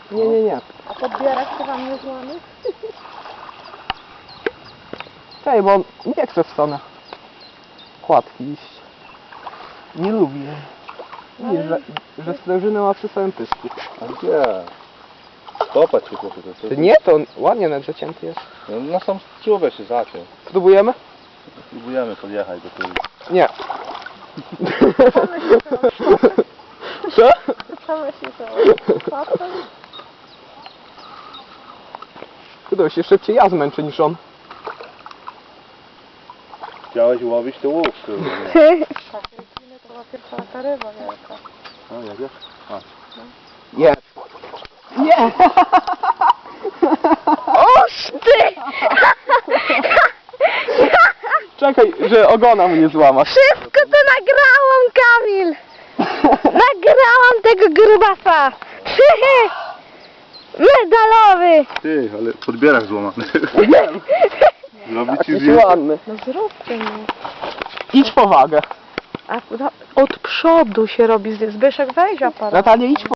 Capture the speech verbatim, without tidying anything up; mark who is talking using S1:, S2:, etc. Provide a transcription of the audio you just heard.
S1: Nie, nie, nie.
S2: A podbierak to wam nie złamy?
S1: Czekaj, bo nie chcę w stronę kładki iść. Nie lubię. Widzisz, że, że sprężynę ma przy samym pysku.
S3: A gdzie? Stopać się chłopie. To, to,
S1: Nie, to on ładnie nawet zacięty jest.
S3: No, na sam czubek się zaciął.
S1: Spróbujemy?
S3: Próbujemy podjechać do tyłu.
S1: Nie. Co?
S2: Same się to.
S1: Kurde, się szybciej ja zmęczę niż on.
S3: Chciałeś łowić to łuk, kurde.
S2: Takie kiny to była pierwsza taka ryba wielka.
S3: A, jak wiesz? A.
S1: Jest. Nie!
S4: Oż ty!
S1: Czekaj, że ogona mu nie złamasz.
S4: Wszystko to nagrałam, Kamil! Nagrałam tego grubasa! Medalowy!
S3: Ty, ale podbierak złamany. Zrobić ci
S1: Jakiś
S3: zdjęcie?
S1: ładny.
S2: No zróbcie mi.
S1: Idź po wagę.
S2: A no, od przodu się robi zdjęcie. Zbyszek, weź aparat.
S1: Natalia, idź po